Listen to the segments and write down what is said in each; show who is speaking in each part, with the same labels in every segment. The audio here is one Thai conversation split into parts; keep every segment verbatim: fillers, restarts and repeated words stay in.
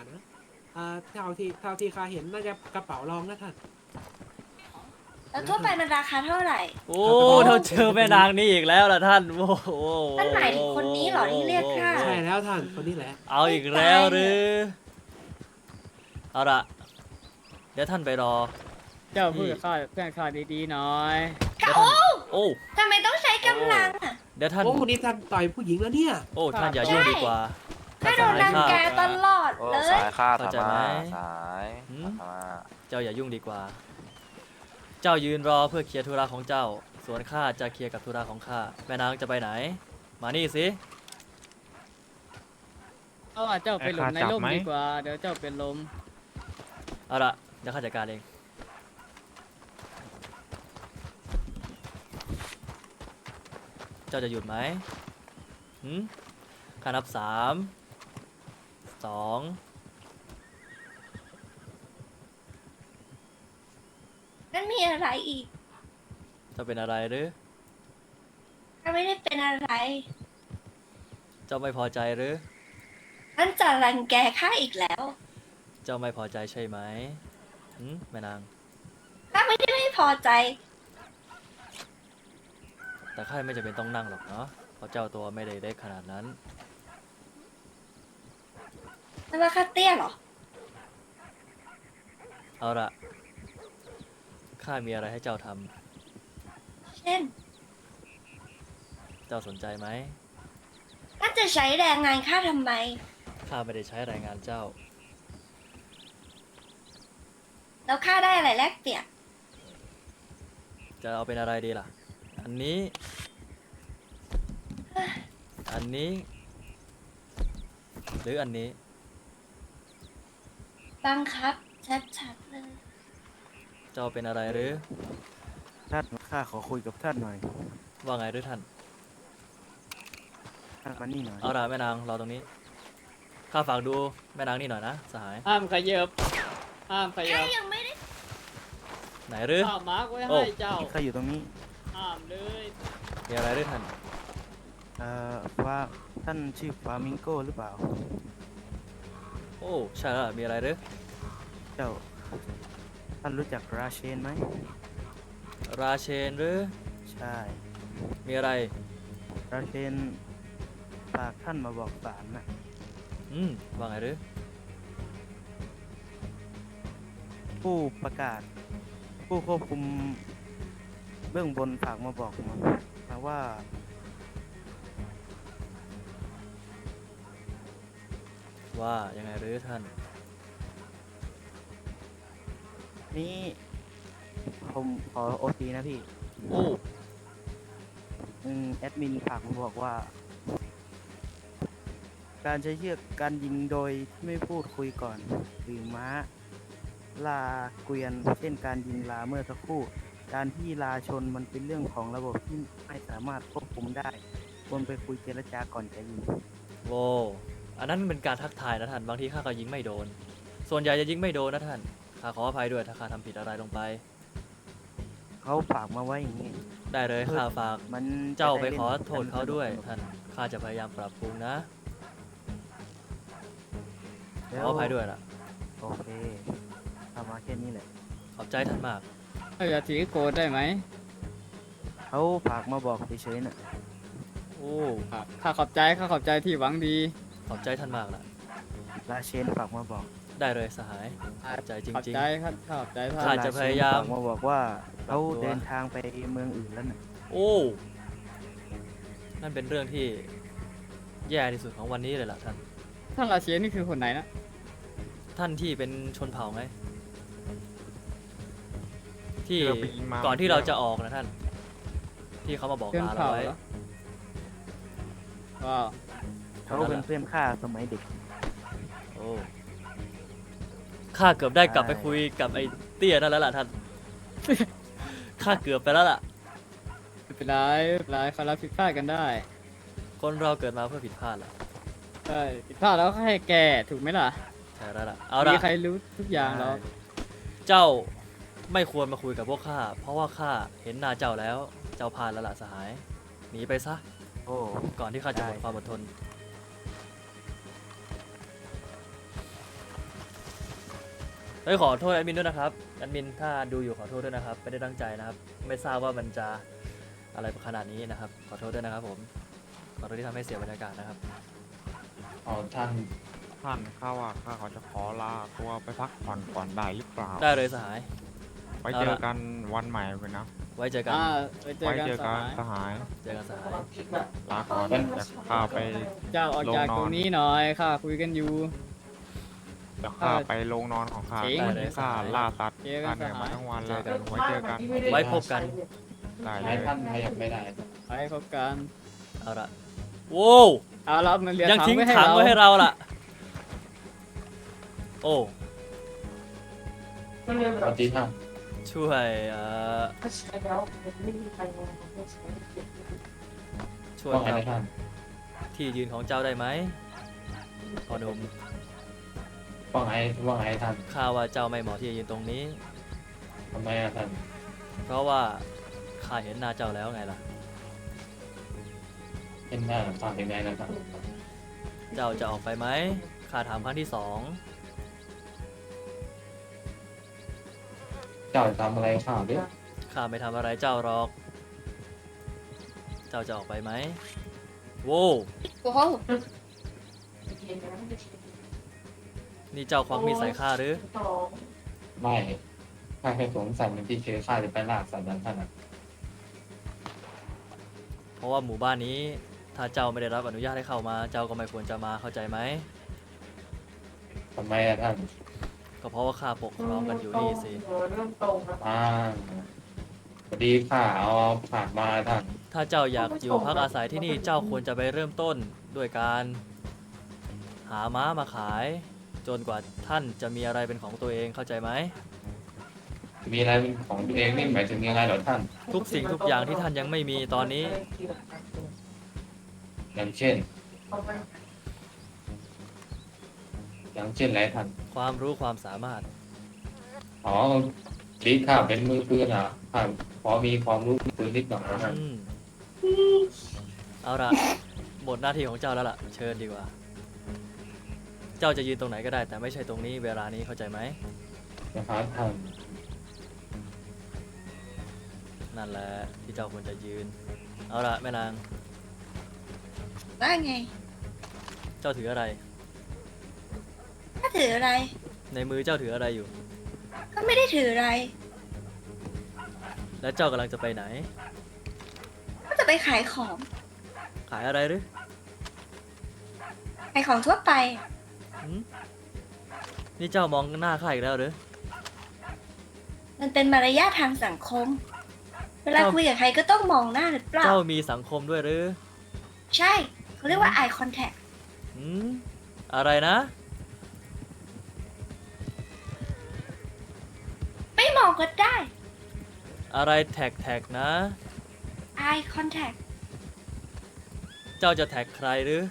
Speaker 1: นะอ่าเท่าที่เท่าที่ข้าเห็นน่าจะกระเป๋ารองนะท่าน
Speaker 2: แล้วทั่วไปมันราคาเท่าไหร่
Speaker 3: โอ้เราเจอแม่นางนี่อีกแล้วล่ะท่านโอ้โห
Speaker 2: ท่านหมายถึงคนนี้เหรอที่เรียกข้า
Speaker 1: ใช่แล้วท่านคนนี้แหละ
Speaker 3: เอาอีกแล้วหรือเอาละเดี๋ยวท่านไปรอ
Speaker 4: เจ้าพูดกับข้าเพื่อนข้าดีๆหน่อย
Speaker 3: เดี๋ยวท่านโอ้
Speaker 2: ทำไมต้องใช้กำลังอ่ะ
Speaker 3: เดี๋ยวท่าน
Speaker 1: โอ้นี่ท่านต่อยผู้หญิงแล้วเนี่ย
Speaker 3: โอ้ท่านอย่ายุ่งดีกว่า
Speaker 2: ข้าโดนรังแกตลอด
Speaker 5: โอ้
Speaker 2: เล
Speaker 5: สาย ยข้า
Speaker 3: เข้า
Speaker 5: ธร
Speaker 3: ใจ
Speaker 5: ร
Speaker 3: ไหม
Speaker 5: มะสาย
Speaker 3: หืม
Speaker 5: ธรรมะ
Speaker 3: เจ้าอย่ายุ่งดีกว่า เจ้ายืนรอเพื่อเคลียร์ธุระของเจ้า ส่วนข้าจะเคลียร์กับธุระของข้าแม่นางจะไปไหน มานี่สิ
Speaker 4: เอาว่าเจ้าไปหลบในร่มดีกว่า เดี๋ยวเจ้าเป็นลม
Speaker 3: เอาละเดี๋ยวข้าจัดการเองเจ้าจะหยุดไหมหืมข้านับสามสอง
Speaker 2: นั่นมีอะไรอีก
Speaker 3: เจ้าเป็นอะไรหรือ
Speaker 2: ข้าไม่ได้เป็นอะไร
Speaker 3: เจ้าไม่พอใจหรือ
Speaker 2: นั่นจะรังแกข้าอีกแล้ว
Speaker 3: เจ้าไม่พอใจใช่ไหมหืมแม่นาง
Speaker 2: ข้าไม่ได้ไม่พอใจ
Speaker 3: แต่ข้าไม่จำเป็นต้องนั่งหรอกเนาะ เพราะเจ้าตัวไม่ได้เล็กขนาดนั้น
Speaker 2: นั่นว่าข้าเตี้ยเหรอ
Speaker 3: เอาละข้ามีอะไรให้เจ้าท
Speaker 2: เช่น
Speaker 3: ำ เจ้าสนใจไหม
Speaker 2: ท่านจะใช้แรงงานข้าทำไม
Speaker 3: ข้าไม่ได้ใช้แรงงานเจ้า
Speaker 2: แล้วข้าได้อะไรแลกเปลี่ยน
Speaker 3: จะเอาเป็นอะไรดีล่ะ อันนี้ อันนี้ หรืออันนี้
Speaker 2: บังคับ ชัดๆเลย
Speaker 3: เจ้าเป็นอะไรหรือ
Speaker 6: ท่านข้าขอคุยกับท่านหน่อย
Speaker 3: ว่าไงหรือท่าน
Speaker 6: ท่านมานี่หน่อย
Speaker 3: เอาละแม่นางรอตรงนี้ ข้าฝากดูแม่นางนี่หน่อยนะสหาย
Speaker 4: ห้ามขยับ ห้ามขยั
Speaker 2: ข้า
Speaker 4: บ
Speaker 2: ยังไม่ได้
Speaker 3: ไหนหรือ
Speaker 4: ข้ามาร์กไว้
Speaker 3: โอ้
Speaker 4: ให้เจ้า
Speaker 6: ข้าอยู่ตรงนี้
Speaker 4: ห้ามเลย
Speaker 3: มีอะไรหรือท่าน
Speaker 6: เอ่อว่าท่านชื่อฟามิงโกหรือเปล่า
Speaker 3: โอ้ ใช่แล้วล่ะมีอะไรหรือ
Speaker 6: เจ้า ท่านรู้จักราเชนไหม
Speaker 3: ราเชนหรือ
Speaker 6: ใช่
Speaker 3: มีอะไร
Speaker 6: ราเชนฝากท่านมาบอกศาลน่ะ
Speaker 3: อืม ว่าไงหรือ
Speaker 6: ผู้ประกาศ ผู้ควบคุมเบื้องบนฝากมาบอกมามาว่า
Speaker 3: ว่ายังไงหรือท่าน
Speaker 6: นี่ผมขอโอทีนะพี่
Speaker 3: โอ้
Speaker 6: อืมแอดมินฝากมาบอกว่า การใช้เชือกการยิงโดยที่ไม่พูดคุยก่อน หรือม้า ลาเกวียน เช่นการยิงลาเมื่อสักครู่ การที่ลาชนมันเป็นเรื่องของระบบที่ไม่สามารถควบคุมได้ควรไปคุยเจรจาก่อนจะยิง
Speaker 3: โว้อันนั้นเป็นการทักทายนะท่าน บางทีข้าก็ยิงไม่โดน ส่วนใหญ่จะยิงไม่โดนนะท่าน ข้าขออภัยด้วยถ้าข้าทำผิดอะไรลงไป
Speaker 6: เขาฝากมาไว้อย่างนี้
Speaker 3: ได้เลยข้าฝาก
Speaker 6: มัน
Speaker 3: เจ้าไป
Speaker 6: จะด้
Speaker 3: ขอ
Speaker 6: ล่น
Speaker 3: โทษเขาด้วย
Speaker 6: สนุก
Speaker 3: ท่าน ข้าจะพยายามปรับปรุงนะ
Speaker 6: ๆ
Speaker 3: ข
Speaker 6: แล้
Speaker 3: ออภัยด้วยล่ะ
Speaker 6: โอเคทำมาแค่นี้แหละ
Speaker 3: ขอบใจท่านมาก
Speaker 4: เราจะถือโกรธได้ไหม
Speaker 6: เขาฝากมาบอกเฉยๆน่ะ
Speaker 3: โอ้
Speaker 4: ครับข้าขอบใจ ข้าขอบใจที่หวังดี
Speaker 3: ขอบใจท่านมากล่ะ
Speaker 6: ลาเชนฝากมาบอก
Speaker 3: ได้เลยสหาย ขอบใจจ
Speaker 4: ขอบ
Speaker 3: ริง
Speaker 4: ใจครับข้าขอบใจท่า
Speaker 3: ข้า
Speaker 4: น
Speaker 3: จะพยายาม
Speaker 6: ฝากมาบอกว่าเขา
Speaker 3: ปรับตัว
Speaker 6: เดินทางไปเมืองอื่นแล้วน่ะ
Speaker 3: ๆ โอ้ นั่นเป็นเรื่องที่แย่ที่สุดของวันนี้เลยล่ะท่าน
Speaker 4: ท่านราเชียนี่คือคนไหนนะ
Speaker 3: ท่านที่เป็นชนเผ่าไง ที่
Speaker 5: เราไปยิงมา
Speaker 3: ก่อนที่เราจะออกนะท่าน ที่เขามาบอก
Speaker 4: เพื่อน
Speaker 3: ลาเรา
Speaker 4: เผ่า
Speaker 3: ไว้
Speaker 4: เหรอว้าว
Speaker 6: เขาเป็นเพื่อนข้าสมัยเด็ก
Speaker 3: โอ้ข้าเกือบได้กลับ
Speaker 6: ใช่
Speaker 3: ไปคุยกับไอ้เตี้ยนั่นแล้วล่ะท่าน ข้าเกือบไปแล้วล่ะ
Speaker 4: ไม่เป็นไรไม่เป็นไรเขารับผิดพลาดกันได้
Speaker 3: คนเราเกิดมาเพื่อผิดพลาดล่ะ
Speaker 4: ใช่ผิดพลาดแล้วก็ให้แก้ถูกไหมล่ะ
Speaker 3: ใช่แล้วล่ะ เอา
Speaker 4: มี
Speaker 3: ละ
Speaker 4: ใครรู้ทุกอย่างหรอก
Speaker 3: เจ้าไม่ควรมาคุยกับพวกข้า เพราะว่าข้าเห็นหน้าเจ้าแล้ว เจ้าพลาดแล้วล่ะสหาย หนีไปซะ
Speaker 6: โอ้
Speaker 3: ก่อนที่ข้าจะหมด
Speaker 6: ได้
Speaker 3: ความอดทนเฮ้ยขอโทษแอดมินด้วยนะครับแอดมินถ้าดูอยู่ขอโทษด้วยนะครับไม่ได้ตั้งใจนะครับ ไม่ทราบว่ามันจะอะไรขนาดนี้นะครับ ขอโทษด้วยนะครับผมขอโทษที่ทำให้เสียบรรยากาศนะครับ
Speaker 5: อ๋อท่านท่านข้าว่าข้าเขาจะขอลาตัวไปพักผ่อนก่อนได้หรือเปล่า
Speaker 3: ได้เลยสหาย
Speaker 5: ไว้เจอกันวันใหม่เลยนะ
Speaker 3: ไว้เจอกัน
Speaker 4: อ่าไปเจอ
Speaker 5: ไว้
Speaker 4: กัน
Speaker 5: เจอ
Speaker 4: ส
Speaker 5: กัน
Speaker 4: หาย
Speaker 5: สหาย
Speaker 3: เจอกันสหาย
Speaker 5: ลาก่อนจะข้าไป
Speaker 4: เจ้าออกจาก
Speaker 5: ลงนอน
Speaker 4: ตรงนี้หน่อยข้าคุยกันอยู่
Speaker 5: จะข้าไปโรงนอนของข้า
Speaker 4: เจ๋ง
Speaker 5: วันนี้ข้าล่าสัตว์
Speaker 4: เจอกั
Speaker 5: ข้าน เหนื่อย
Speaker 4: สหาย
Speaker 5: มาทั้งวันแล้วไว้เจอกัน
Speaker 3: ไว้พบกัน
Speaker 5: ได้เล
Speaker 1: ให้
Speaker 5: ย
Speaker 1: ท่านขยับไม่ได้
Speaker 4: ไปพบกัน
Speaker 3: เอาละโว้ว
Speaker 4: เอารับมันเรียน
Speaker 3: ยัง
Speaker 4: ถัง
Speaker 3: ทิ้ง
Speaker 4: ไว้ให้
Speaker 3: ถัง
Speaker 4: เรา
Speaker 3: ไว้ให้เราล่ะ โอ้
Speaker 1: สวัสดีท่าน
Speaker 3: ช่วยเอ่อช่วย
Speaker 1: ว่าไง
Speaker 3: ครั
Speaker 1: นะท่าน
Speaker 3: บที่ยืนของเจ้าได้ไหมพ่อหนุ่ม
Speaker 1: ว่าไงว่าไงท่าน
Speaker 3: ข้าว่าเจ้าไม่เหมาะที่จะยืนตรงนี้
Speaker 1: ทำไมอะท่าน
Speaker 3: เพราะว่าข้าเห็นหน้าเจ้าแล้วไงล่ะ
Speaker 1: เป็นหน้าท่านยังไงนะท่าน
Speaker 3: เจ้าจะออกไปไหมข้าถามครั้งที่สอง
Speaker 1: เจ้าทำอะไรข้าวดิ
Speaker 3: ข้าไม่ทำอะไรเจ้าหรอก เจ้าจะออกไปไหมโว้ว
Speaker 2: โอ้โห
Speaker 3: นี่เจ้าควักมีดใส่ข้าหรือ
Speaker 1: ไม่ข้าแค่สงสัยมันที่เคยข้าจะไปล่าสัตว์นั้นท่านอะ
Speaker 3: เพราะว่าหมู่บ้านนี้ถ้าเจ้าไม่ได้รับอนุญาตให้เข้ามา เจ้าก็ไม่ควรจะมาเข้าใจไหม
Speaker 1: ทำไมอะท่าน
Speaker 3: ก็เพราะว่าข้าปกครองกันอยู่นี่สิ
Speaker 1: อ่าพอดีข้าเอาผ่านมาท่าน
Speaker 3: ถ้าเจ้าอยากอยู่พักอาศัยที่นี่เจ้าควรจะไปเริ่มต้นด้วยการหาม้ามาขาย จนกว่าท่านจะมีอะไรเป็นของตัวเองเข้าใจไหม
Speaker 1: มีอะไรเป็นของตัวเองนี่หมายถึงยังไงเหรอท่าน
Speaker 3: ทุกสิ่งทุกอย่างที่ท่านยังไม่มีตอนนี้
Speaker 1: อย่างเช่น อย่างเช่นอะไรท่าน
Speaker 3: ความรู้ความสามารถ
Speaker 1: อ๋อดีข้าเป็นมือปืนอ่ะข้าพอมีความรู้ปืนนิดหน่อยนะท่าน
Speaker 3: อืมเอาละหมดหน้าที่ของเจ้าแล้วล่ะ เชิญดีกว่า เจ้าจะยืนตรงไหนก็ได้ แต่ไม่ใช่ตรงนี้เวลานี้เข้าใจไหม
Speaker 1: นะครับท่าน
Speaker 3: นั่นแหละที่เจ้าควรจะยืน เอาละแม่นาง
Speaker 2: ว่าไง
Speaker 3: เจ้าถืออะไร
Speaker 2: ถ้าถืออะไร
Speaker 3: ในมือเจ้าถืออะไรอยู่
Speaker 2: ก็ไม่ได้ถืออะไร
Speaker 3: และเจ้ากำลังจะไปไหน
Speaker 2: ก็จะไปขายของ
Speaker 3: ขายอะไรหรือ
Speaker 2: ขายของทั่วไป
Speaker 3: หืมนี่เจ้ามองหน้าข้าอีกแล้วหรือ
Speaker 2: มันเป็นมารยาททางสังคม เวลา
Speaker 3: เจ้า
Speaker 2: คุยกับใครก็ต้องมองหน้าหรือเปล่า
Speaker 3: เจ้ามีสังคมด้วยหรือ
Speaker 2: ใช่ เขาเรียกว่า eye contact
Speaker 3: หืมอะไรนะ
Speaker 2: ไม่มองก็ได้
Speaker 3: อะไรแท็กแท็กนะ
Speaker 2: eye contact
Speaker 3: เจ้าจะแท็กใครหรือ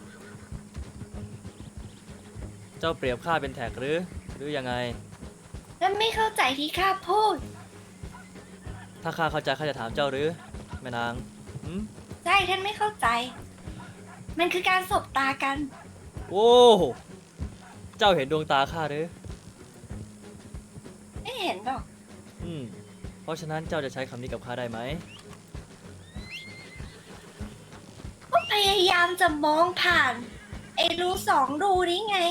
Speaker 3: เจ้าเปรียบข้าเป็นแท็กหรือ หรือยังไง
Speaker 2: แล้วไม่เข้าใจที่ข้าพูด
Speaker 3: ถ้าข้าเข้าใจข้าจะถามเจ้าหรือแม่นางหืม
Speaker 2: ใช่ท่านไม่เข้าใจ มันคือการสบตากัน
Speaker 3: โอ้เจ้าเห็นดวงตาข้าหรือ
Speaker 2: ไม่เห็นหรอก
Speaker 3: อืม เพราะฉะนั้นเจ้าจะใช้คำนี้กับข้าได้ไหม
Speaker 2: ก็พยายามจะมองผ่าน ไอ้รูสองรูนี้ไง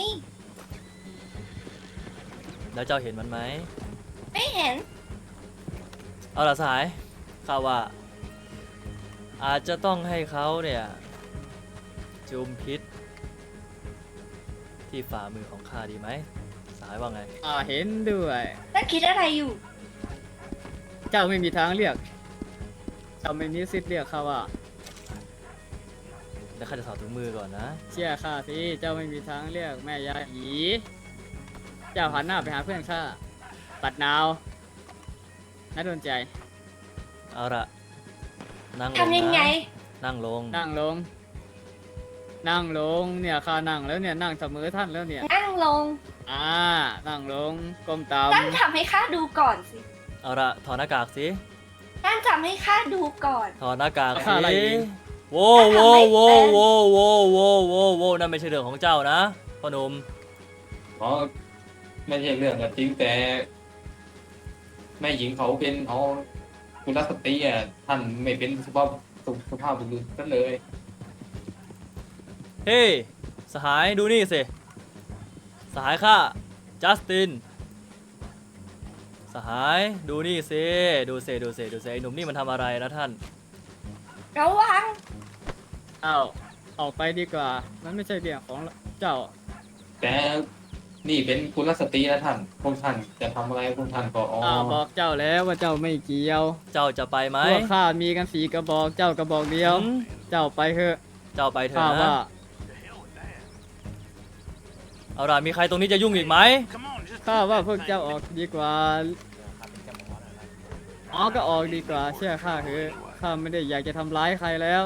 Speaker 3: แล้วเจ้าเห็นมันไหม
Speaker 2: ไม่เห็น
Speaker 3: เอาล่ะสหายข้าว่า อาจจะต้องให้เขาเนี่ย จุมพิษ ที่ฝ่ามือของข้าดีไหมสหายว่าไง
Speaker 4: อ่าเห็นด้วย
Speaker 2: ท่านคิดอะไรอยู่
Speaker 4: เจ้าไม่มีทางเรียก เจ้าไม่มีสิทธิ์เรียกเขาว่า
Speaker 3: แล้วข้าจะถอดถุงมือก่อนนะ
Speaker 4: เชื่อข้าสิ เจ้าไม่มีทางเรียกแม่ยาหยีเจ้าหันหน้าไปหาเพื่อนข้า ปัดนาวน่าโดนใจ
Speaker 3: เอาละนั่งลง
Speaker 2: ทำยังไง
Speaker 3: นะนั่งลง
Speaker 4: นั่งลง นั่งลง เนี่ยข้านั่งแล้วเนี่ย นั่งเสมอท่านแล้วเนี่ย
Speaker 2: นั่งลง
Speaker 4: อ่า นั่งลง ก้มต
Speaker 2: ท่านทำให้ข้าดูก่อนสิ
Speaker 3: เอาละถอดหน้ากากสิ
Speaker 2: ท่านทำให้ข้าดูก่อน
Speaker 3: ถอดหน้ากาก
Speaker 4: ำ
Speaker 3: สิ
Speaker 4: ข้าอะไรเอง
Speaker 3: โว้วโว้วโว้วโว้วโว้วโว้วโว้วโว้วนั่นไม่ใช่เรื่องของเจ้านะพ่อหนุ่ม
Speaker 1: อ๋อไม่ใช่เรื่องก็จริงแต่ แม่หญิงเขาเป็นเอากุลสตรีอ่ะท่านไม่เป็นสุภาพสุสุภาพบุรุษกันเลย
Speaker 3: เฮ้ยสหายดูนี่สิสหายข้าจัสตินสหายดูนี่สิดูสิดูสิดูสิไอ้หนุ่มนี่มันทำอะไรนะท่าน
Speaker 2: ระวัง
Speaker 4: อ้าวออกไปดีกว่า มันไม่ใช่เรื่องของเจ้า
Speaker 1: แต่นี่เป็นกุลสตรีนะท่านพวกท่านจะทำอะไรพวกท่านก็อ๋อ
Speaker 4: อ้าวบอกเจ้าแล้วว่าเจ้าไม่เกี่ยว
Speaker 3: เจ้าจะไปไหม
Speaker 4: พวกข้ามีกันสีกระบอกเจ้ากระบอกเดียว
Speaker 3: หืม
Speaker 4: เจ้าไปเถอะ
Speaker 3: เจ้าไปเถ
Speaker 4: ข้า
Speaker 3: อะ
Speaker 4: ว่า
Speaker 3: นะเอาล่ะมีใครตรงนี้จะยุ่งอีกไหม
Speaker 4: ข้าว่าพวกเจ้าออกดีกว่าอ๋อก็ออกดีกว่าเชื่อข้าเถอะข้าไม่ได้อยากจะทำร้ายใครแล้ว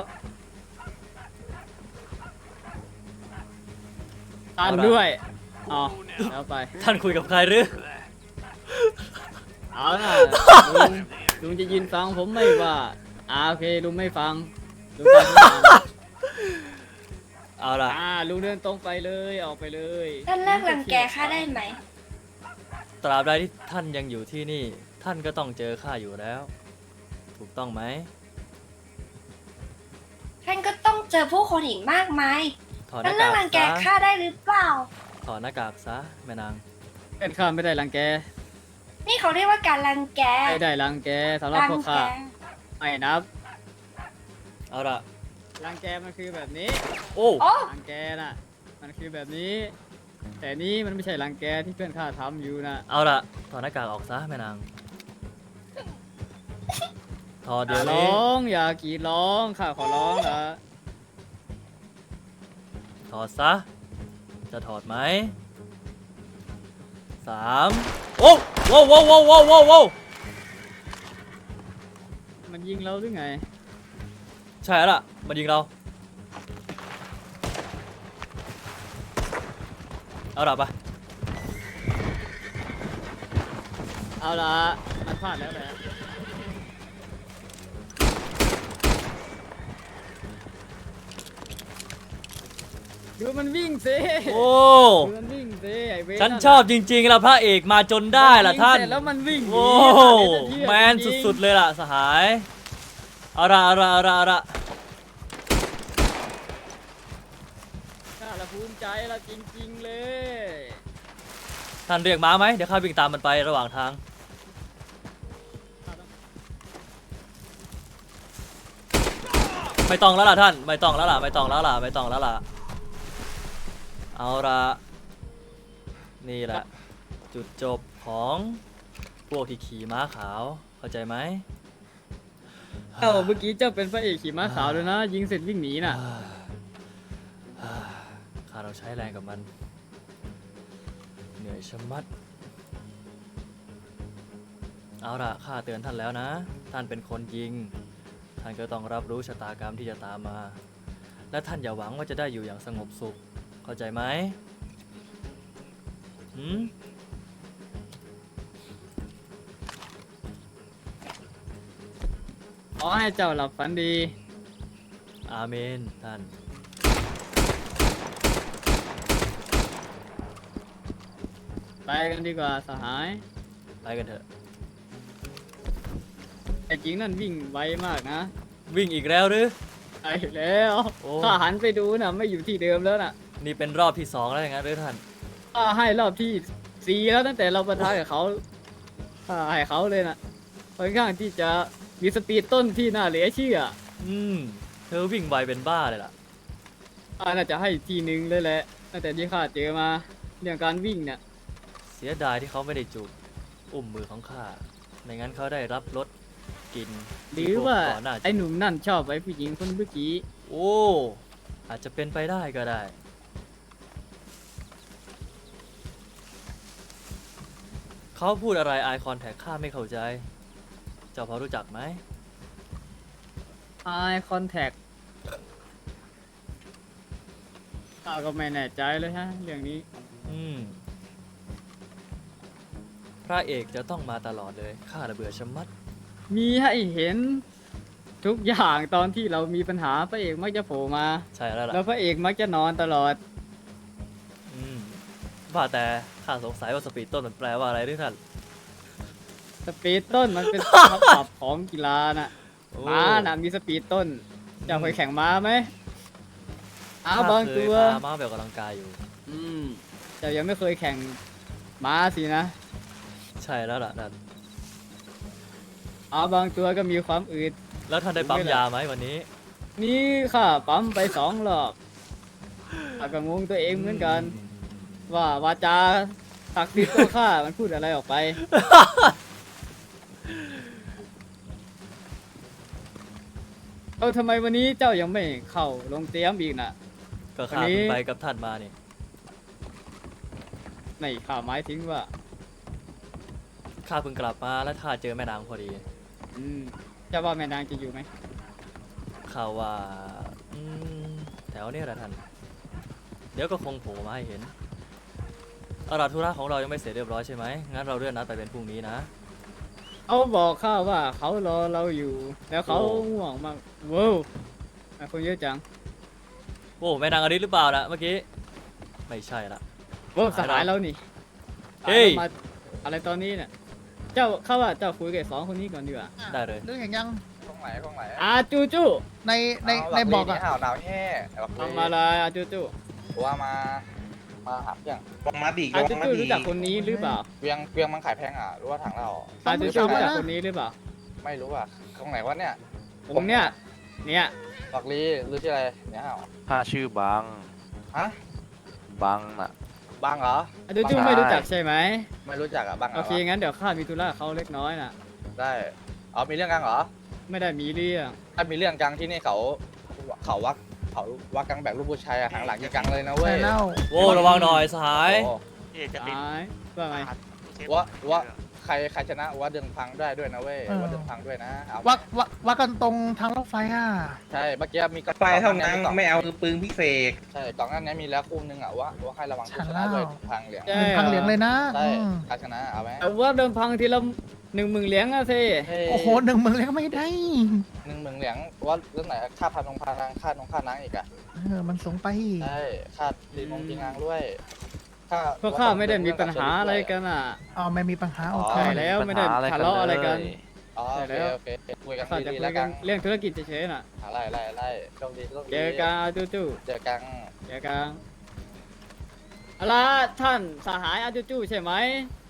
Speaker 4: ตามด้วยอ๋อแล้วไป
Speaker 3: ท่านคุยกับใครหรือ
Speaker 4: เอาล่ะลุงลุงจะยืนฟังผมไม่ว่าอ่าโอเคลุงไม่ฟังลุงตามผมมา
Speaker 3: เอาล่ะ
Speaker 4: อ่าลุงเดินตรงไปเลยออกไปเลย
Speaker 2: ท่านเลิกรังแกข้าได้ไหม
Speaker 3: ตราบใดที่ท่านยังอยู่ที่นี่ ท่านก็ต้องเจอข้าอยู่แล้ว ถูกต้องไหม
Speaker 2: ท่านก็ต้องเจอผู้คนอีกมากมาย
Speaker 3: ถอดห
Speaker 2: ท่าน
Speaker 3: น้า
Speaker 2: เลิก
Speaker 3: กาก
Speaker 2: รังแก
Speaker 3: ซะ
Speaker 2: ข้าได้หรือเปล่า
Speaker 3: ถอดหน้ากากซะแม่นาง
Speaker 4: เป็นข้าไม่ได้รังแก
Speaker 2: นี่เขาเรียกว่าการรังแก
Speaker 4: ไม่ได้รังแกสำหรับ
Speaker 2: รั
Speaker 4: พวก
Speaker 2: แก
Speaker 4: ข้าไม่นับ
Speaker 3: เอาล่ะ
Speaker 4: รังแกมันคือแบบนี้
Speaker 3: โอ้
Speaker 2: โอ้
Speaker 4: รังแกน่ะมันคือแบบนี้ แต่นี้มันไม่ใช่รังแกที่เพื่อนข้าทำอยู่นะ
Speaker 3: เอาล่ะถอดหน้ากากออกซะแม่นางถอด
Speaker 4: อ
Speaker 3: เดี๋ย
Speaker 4: ย่าว ร้
Speaker 3: นี้
Speaker 4: องอย่ากรีดร้องข้าขอร้องนะ
Speaker 3: ถอดซะจะถอดไหมสามโอ้โว้วโว้วโว้วโว้วโว้วโว้ว
Speaker 4: มันยิงเราหรือไง
Speaker 3: ใช่แล้วล่ะมันยิงเราเอาล่ะไป
Speaker 4: เอาละมันพลาดแล้วแหละดูมันวิ่งสิ
Speaker 3: โอ้
Speaker 4: ดูมันวิ่งสิไอ้เวร
Speaker 3: ฉันชอบจริงๆล่ะพระเอกมาจนได้ล่ะท่าน
Speaker 4: มัยิงเสร็จแล้วมันวิ่งหนี
Speaker 3: โอ้
Speaker 4: เดี๋ยวจะเทียบ
Speaker 3: แมน
Speaker 4: จริงๆ
Speaker 3: สุดๆเลยล่ะสหายเอาละเอาละเอาละเอาละ
Speaker 4: ข้าละภูมิใจละจริงๆเลย
Speaker 3: ท่านเรียกม้าไหมเดี๋ยวข้าวิ่งตามมันไประหว่างทางไม่ต้องแล้วล่ะท่านไม่ต้องแล้วล่ะไม่ต้องแล้วล่ะไม่ต้องแล้วล่ะเอาละนี่แหละจุดจบของพวกที่ขี่ม้าขาวเข้าใจไหม
Speaker 4: เอ้าเมื่อกี้เจ้าเป็นพระเอกขี่ม้าขาวเลยนะ ยิงเสร็จวิ่งหนีน่ะ
Speaker 3: ข้าเราใช้แรงกับมัน เหนื่อยชะมัด เอาล่ะข้าเตือนท่านแล้วนะ ท่านเป็นคนยิง ท่านก็ต้องรับรู้ชะตากรรมที่จะตามมา และท่านอย่าหวังว่าจะได้อยู่อย่างสงบสุข เข้าใจไหมหืม
Speaker 4: ขอให้เจ้าหลับฝันดี
Speaker 3: อาเมนท่าน
Speaker 4: ไปกันดีกว่าสหาย
Speaker 3: ไปกันเถอะ
Speaker 4: ไอ้จริงนั่นวิ่งไวมากนะ
Speaker 3: วิ่งอีกแล้วหรือ
Speaker 4: ไปแล้ว
Speaker 3: โอ้
Speaker 4: ข้าหันไปดูนะไม่อยู่ที่เดิมแล้วน่ะ
Speaker 3: นี่เป็นรอบที่สองแล้วอย่างนั้นหรือท่าน
Speaker 4: ข้าให้รอบที่สี่แล้วตั้งแต่เราประทะกับเขาข้าให้เขาเลยน่ะค่อนข้างที่จะมีสปีดต้นที่น่าเหลือเชื่อ
Speaker 3: อืม เธอวิ่งไวเป็นบ้าเลยล่ะ
Speaker 4: ข้าน่าจะให้ทีหนึ่งเลยแหละตั้งแต่ที่ข้าเจอมาเรื่องการวิ่งเนี่ย
Speaker 3: เสียดายที่เขาไม่ได้จูบอุ้มมือของข้า ไม่งั้นเขาได้รับรสกลิน
Speaker 4: หรือว่า
Speaker 3: ก่อนหน้า
Speaker 4: ไอ้หนุ่มนั่นชอบไอ้ผู้หญิงคนเมื่อกี้
Speaker 3: โอ้ อาจจะเป็นไปได้ก็ได้ เขาพูดอะไร eye contact ข้าไม่เข้าใจ เจ้าพอรู้จักไหม
Speaker 4: eye contact ข้าก็ไม่แน่ใจเลยฮะเรื่องนี้
Speaker 3: อืม พระเอกจะต้องมาตลอดเลย ข้าระเบื่อชะมัด
Speaker 4: มีให้เห็นทุกอย่างตอนที่เรามีปัญหาพระเอกมักจะโผล่มา
Speaker 3: ใช่แล้วล่ะ
Speaker 4: แล้วพระเอกมักจะนอนตลอด
Speaker 3: อืมว่าแต่ข้าสงสัยว่าสปีดต้นมันแปลว่าอะไรด้วยท่าน
Speaker 4: สปีดต้นมันเป็นคำศัพท์ของกีฬาน่ะ
Speaker 3: โอ้
Speaker 4: ม้าน่ะมีสปีดต้นเจ้าเคยแข่งม้าไหมอ้าวบางตัว
Speaker 3: ข้เคยพาม้าไปออกกำลังกายอยู่
Speaker 4: อืมเจ้ายังไม่เคยแข่งม้าสินะ
Speaker 3: ใช่แล้วล่ะท่าน
Speaker 4: อ้าวบางตัวก็มีความอืด
Speaker 3: แล้วท่านได้ปั๊มยาไหมวันนี้
Speaker 4: นี่ค่ะปั๊มไปสองรอบข้าก็งงตัวเองเหมือนกัน ว่าวาจาศักดิ์สิทธิ์ของข้ามันพูดอะไรออกไป เออทำไมวันนี้เจ้ายังไม่เข้าลงเตรียมอีกน่ะ
Speaker 3: ก็ข้า
Speaker 4: วันนี้
Speaker 3: เพิ่งไปกับท่านมานี่
Speaker 4: ในข่าวหมายถึงว่า
Speaker 3: ข้าเพิ่งกลับมาแล้วข้าเจอแม่นางพอดี
Speaker 4: อืมเจ้าว่าแม่นางจะอยู่ไหม
Speaker 3: ข่าวว่าอืมแถวเนี้แหละท่าน เดี๋ยวก็คงโผล่มาให้เห็นเอาล่ะธุระของเรายังไม่เสร็จเรียบร้อยใช่ไหมงั้นเราเลื่อนนัดไปเป็นพรุ่งนี้นะ
Speaker 4: เขาบอกข้าว่าเขารอเราอยู่ แล้วเขา
Speaker 3: โอ้
Speaker 4: ห่วงมากเว้าวอ่ะคนเยอะจัง
Speaker 3: โอ้แม่นางอดิตหรือเปล่านะเมื่อกี้ ไม่ใช่ละ
Speaker 4: เว้าวสหายเรานี่
Speaker 3: เฮ้ย
Speaker 4: มาอะไรตอนนี้เนี่ยเจ้าเข้าว่าเจ้าคุยกับสองคนนี้ก่อนดีกว่า
Speaker 3: ได้เลย
Speaker 7: นึกเห็นยัง
Speaker 5: ตรงไหนตรงไหน
Speaker 4: อาจูจู
Speaker 7: ในในในบอกอะ
Speaker 5: อ้าวหนาวแห่แบบ
Speaker 4: ทำอะไรอาจูจู
Speaker 5: ว่ามา มาหาเพียง
Speaker 8: ลงมาดี
Speaker 4: อา
Speaker 8: ล
Speaker 4: จู
Speaker 8: งมา
Speaker 4: จู
Speaker 8: ดี
Speaker 4: รู้จักคนนี้หรือเปล่า
Speaker 5: เวียงเวียงมันขายแพงอ่ะหรือว่าถังเรา
Speaker 4: อาจูจูรู้จักคนนี้หรือเปล่า
Speaker 5: ไม่รู้อ่ะตรงไหนวะเนี่ย
Speaker 4: ตรงเนี้ยเนี่ย
Speaker 5: บักลีหรือที่อะไรเนี่ยเหรอ
Speaker 9: ข้าชื่อบัง
Speaker 5: ฮะ
Speaker 9: บังน่ะ
Speaker 5: บังเหรอ
Speaker 4: อาจูจู
Speaker 9: ใช่
Speaker 4: ไม่รู้จักใช่ไหม
Speaker 5: ไม่รู้จักอ่ะบังหร
Speaker 4: โอเคงั้นเดี๋ยวข้ามีธุระกับเขาเล็กน้อยน่ะ
Speaker 5: ได้เอามีเรื่องกันเหรอ
Speaker 4: ไม่ได้มีเรื่อง
Speaker 5: ถ้ามีเรื่องกังที่นี่เขาเขาวักเขาวักกังแบกลูกผู้ชายอะหางหลังยิงกังเลยนะเว้ย
Speaker 7: เล่า
Speaker 3: โว้ระวังหน่อยสหาย
Speaker 5: โอ้
Speaker 4: ตายว่าไง
Speaker 5: ว่าว่าใครใครชนะว่าเดินพังได้ด้วยนะเว้ยว่าเดินพังด้วยนะเอา
Speaker 7: วักวักวักกันตรงทางรถไฟอ่ะ
Speaker 5: ใช่เมื่อกี้มีกระ
Speaker 8: ไฟเท่านั้นไม่เอาคือปืนพิเศษ
Speaker 5: ใช่กล่องนั้นเนี้มีแล้วคู่นึงอ่ะว่าว่าให้ระวังผู้ชนะด้วยพังเหลียง
Speaker 4: ใช่
Speaker 7: เป็นทางเหลียงเลยนะ
Speaker 5: ใช่
Speaker 7: อืม
Speaker 5: ใครชนะเอาไหม
Speaker 4: แต่ว่าเดิมพังทีละหนึ่งหมื่นเหรียญอะสิ
Speaker 7: โอ้โหหนึ่งเมืองเลยก็ไม่ได้
Speaker 5: หนึ่งหมื่นเหลียงว่าเรื่องไหนค่าพันองพานางค่านงค่านังอีกอ่ะ
Speaker 7: เออมันสูงไป
Speaker 5: ใช่ค่าตีมงตีนางด้วยค่า
Speaker 4: พวกข้าไม่ได้มีปัญหาอะไรกันอ่ะ
Speaker 7: อ๋อไม่มีปัญหาโอเค
Speaker 4: ใช่แล้วไม่ได้ทะเลาะอะไรกัน
Speaker 5: อ๋อโอเคโอเคคุยกัน
Speaker 4: ข้าจะ
Speaker 5: ดีๆ
Speaker 4: คุ
Speaker 5: แล้
Speaker 4: ยว กั
Speaker 5: กัน น
Speaker 4: เรื่องธุรกิจเฉยๆน่ะ
Speaker 5: อะไรอะไรอะไรโชคดีโชคดี
Speaker 4: เจอกันอาจูจู
Speaker 5: เจอกัน
Speaker 4: เจอกันเอาล่ะท่านสหายอาจูจูใช่ไหม